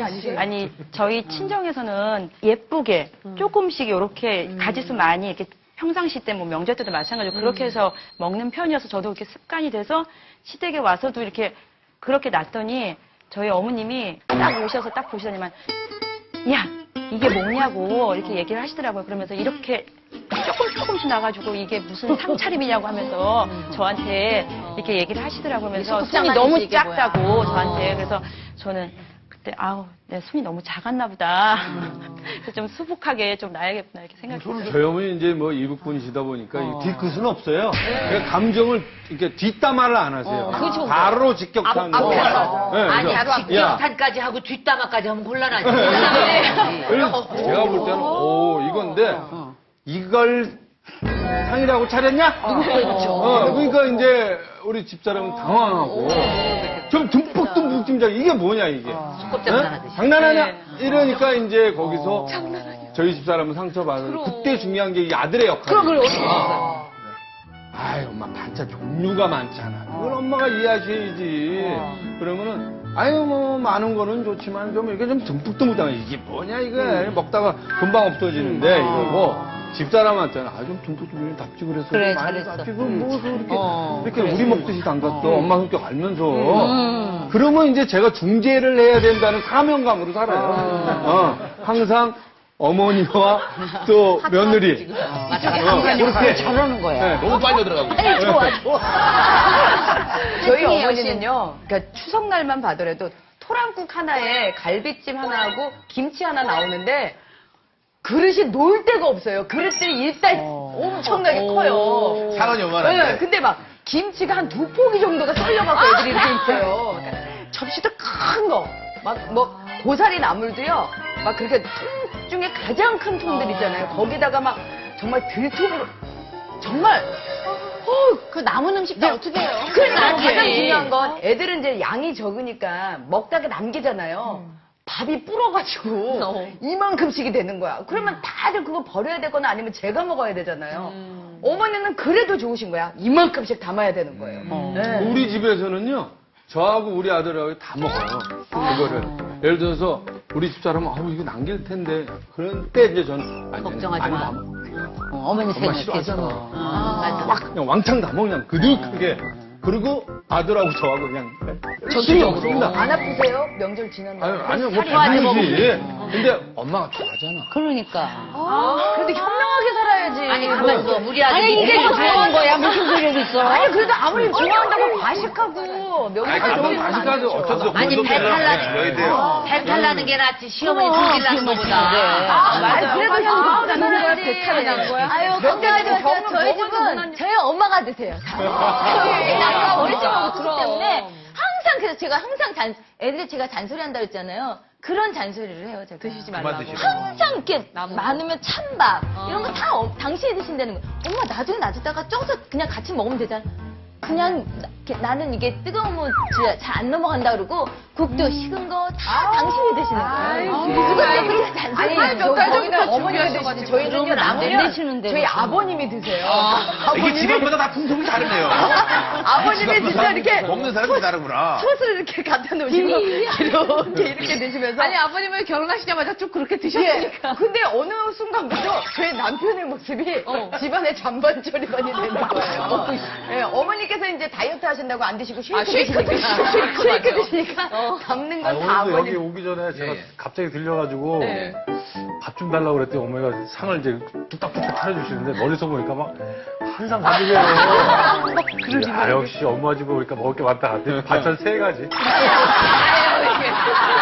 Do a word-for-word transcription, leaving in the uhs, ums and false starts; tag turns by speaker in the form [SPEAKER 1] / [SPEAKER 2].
[SPEAKER 1] 아니세요?
[SPEAKER 2] 아니 저희 친정에서는 예쁘게 조금씩 이렇게 가지수 많이 이렇게 평상시 때 뭐 명절 때도 마찬가지로 그렇게 해서 먹는 편이어서 저도 그렇게 습관이 돼서 시댁에 와서도 이렇게 그렇게 놨더니 저희 어머님이 딱 오셔서 딱 보시더니만 야 이게 뭐냐고 이렇게 얘기를 하시더라고요. 그러면서 이렇게 조금 조금씩 나가지고 이게 무슨 상차림이냐고 하면서 저한테 이렇게 얘기를 하시더라고요. 그러면서 손이 너무 작다고 저한테. 그래서 저는 그때 아우 내 손이 너무 작았나 보다. 그래서 좀 수북하게 좀 나야겠구나 이렇게 생각했어요.
[SPEAKER 3] 저희 어머니 이제 뭐 이국 분이시다 보니까 어. 뒤끝은 없어요. 그러니까 감정을 이렇게 뒷담화를 안 하세요.
[SPEAKER 4] 어. 그렇죠.
[SPEAKER 3] 바로 직격탄.
[SPEAKER 4] 앞, 앞에서.
[SPEAKER 3] 네,
[SPEAKER 4] 아니, 직격탄까지 하고 뒷담화까지 하면 곤란하지.
[SPEAKER 3] 그래서 제가 볼 때는 오 이건데 이걸 상이라고 차렸냐?
[SPEAKER 4] 그렇죠.
[SPEAKER 3] 어, 그러니까 이제 우리 집사람은 당황하고 좀 듬뿍듬뿍 짐작 이게 뭐냐 이게?
[SPEAKER 4] 장난하듯이.
[SPEAKER 3] 장난하냐? 이러니까 이제 거기서 저희 집사람은 상처받은 그때 중요한 게 이 아들의 역할이에요.
[SPEAKER 4] 그걸 어떻게 했어요?
[SPEAKER 3] 아이 엄마 반찬 종류가 많잖아. 그걸 엄마가 이해하셔야지. 그러면은 아유 뭐 많은 거는 좋지만 좀 이게 좀 듬뿍듬뿍 당해. 이게 뭐냐 이거 먹다가 금방 없어지는데 이러고 집사람한테는 아좀 듬뿍듬뿍 답지 그랬어.
[SPEAKER 4] 그래,
[SPEAKER 3] 많이
[SPEAKER 4] 잘했어.
[SPEAKER 3] 답지 그럼 뭐 이렇게
[SPEAKER 4] 어,
[SPEAKER 3] 이렇게
[SPEAKER 4] 그래.
[SPEAKER 3] 우리 먹듯이 담갔어.
[SPEAKER 4] 어.
[SPEAKER 3] 엄마 성격 알면서. 그러면 이제 제가 중재를 해야 된다는 사명감으로 살아요. 어, 항상 어머니와 또 며느리.
[SPEAKER 4] 맞아.
[SPEAKER 3] 어, 그렇게
[SPEAKER 4] 잘하는 거야.
[SPEAKER 3] 네.
[SPEAKER 5] 너무 빨려 들어가고.
[SPEAKER 4] 아니, 좋아, 좋아.
[SPEAKER 1] 저희 어머니는요, 그러니까 추석날만 봐더라도 토랑국 하나에 갈비찜 하나하고 김치 하나 나오는데 그릇이 놓을 데가 없어요. 그릇들이 일단 엄청나게 커요.
[SPEAKER 5] 상은 요만한데.
[SPEAKER 1] 네, 근데 막 김치가 한 두 포기 정도가 썰려갖고 애들이 이렇게 있어요. 그러니까 접시도 큰 거. 막 뭐 고사리 나물도요. 막 그렇게 통 중에 가장 큰 통들 있잖아요. 거기다가 막 정말 들통으로 정말 어,
[SPEAKER 4] 그 남은 음식 다 어떻게 해요?
[SPEAKER 1] 그러니까 가장 중요한 건 애들은 이제 양이 적으니까 먹다가 남기잖아요. 밥이 불어가지고 이만큼씩이 되는 거야. 그러면 다들 그거 버려야 되거나 아니면 제가 먹어야 되잖아요. 어머니는 그래도 좋으신 거야. 이만큼씩 담아야 되는 거예요. 네.
[SPEAKER 3] 우리 집에서는요, 저하고 우리 아들하고 다 먹어요. 그거를. 예를 들어서, 우리 집사람은, 아우, 이거 남길 텐데. 그런 때 이제 저는, 아니,
[SPEAKER 4] 걱정하지
[SPEAKER 3] 아니,
[SPEAKER 4] 마.
[SPEAKER 3] 다 먹어.
[SPEAKER 4] 어, 어머니
[SPEAKER 3] 엄마
[SPEAKER 4] 생각해서.
[SPEAKER 3] 싫어하잖아.
[SPEAKER 4] 아,
[SPEAKER 3] 막 그냥 왕창 다 먹냐, 그득하게. 그리고 아들하고 저하고 그냥 열심히 먹습니다.
[SPEAKER 1] 안 아프세요? 명절 지났나요?
[SPEAKER 3] 아니, 아니요, 뭐
[SPEAKER 1] 살이 많이
[SPEAKER 3] 당연히지. 근데 엄마가 좋아하잖아.
[SPEAKER 4] 그러니까.
[SPEAKER 1] 아, 그래도 현명하게 살아야지.
[SPEAKER 4] 아니, 가만 있어. 우리 아들이.
[SPEAKER 1] 아니, 이게 더 좋은 거야.
[SPEAKER 4] 무슨 소리를 있어?
[SPEAKER 1] 아니, 그래도 아무리 좋아한다고 과식하고 명절
[SPEAKER 3] 아니, 그건
[SPEAKER 1] 좋은
[SPEAKER 3] 과식하지. 어쩌다
[SPEAKER 4] 아니, 배탈 나는,
[SPEAKER 5] 돼요.
[SPEAKER 4] 배탈 나는 게 낫지. 시어머니 등질 나는 거보다.
[SPEAKER 1] 아, 맞아. 그래도
[SPEAKER 6] 아,
[SPEAKER 1] 현 나는 거야. 배탈이 나는 거야.
[SPEAKER 6] 아유, 걱정하지 마세요. 저희 집은 저희 엄마가 드세요. 아까 어릴 적 먹었기 때문에 항상 그래서 제가 항상 잔 애들이 제가 잔소리 한다 그랬잖아요. 그런 잔소리를 해요, 제가.
[SPEAKER 1] 드시지
[SPEAKER 5] 그만
[SPEAKER 1] 말라고.
[SPEAKER 5] 드시고.
[SPEAKER 6] 항상 이렇게 많으면 찬밥 이런 거 다 당신이 드신다는 거예요. 엄마 나중에 놔두다가 쪄서 그냥 같이 먹으면 되잖아. 그냥 나, 이렇게 나는 이게 뜨거우면 잘 안 넘어간다 그러고 국도 식은 거 다 당신이 드시는 거예요. 그것도 그렇게 잔소리.
[SPEAKER 1] 아니, 몇 달 전부터 어머니가 드시지. 저희는요, 남으면
[SPEAKER 4] 내시는데.
[SPEAKER 1] 저희 아버님이 드세요.
[SPEAKER 5] 이게 집안마다 다 풍속이 다르네요.
[SPEAKER 1] 아버님이 진짜 이렇게
[SPEAKER 5] 먹는 사람이 다르구나.
[SPEAKER 1] 솥을 이렇게 갖다 놓으시고 이렇게 이렇게 드시면서
[SPEAKER 6] 아니 아버님은 결혼하시자마자 쭉 그렇게
[SPEAKER 1] 예.
[SPEAKER 6] 드셨으니까.
[SPEAKER 1] 근데 어느 순간부터 저희 남편의 모습이 집안의 잔반조리반이 되는 거예요. 예, 어머니께서 이제 다이어트 하신다고 안 드시고 쉐이크 드시니까 쉐이크 드시니까 담는
[SPEAKER 7] 아,
[SPEAKER 1] 건 다
[SPEAKER 7] 오늘도 여기
[SPEAKER 1] 아버님.
[SPEAKER 7] 오기 전에 제가
[SPEAKER 5] 예, 예.
[SPEAKER 7] 갑자기 들려가지고
[SPEAKER 1] 네.
[SPEAKER 7] 밥 좀 달라고 그랬더니 어머니가 상을 이제 뚝딱뚝딱 차려주시는데 멀리서 보니까 막 한상 가득해요. 아, 역시 엄마 집에 오니까 먹을 게 많다. 반찬 세 가지.
[SPEAKER 1] 아유, 이게.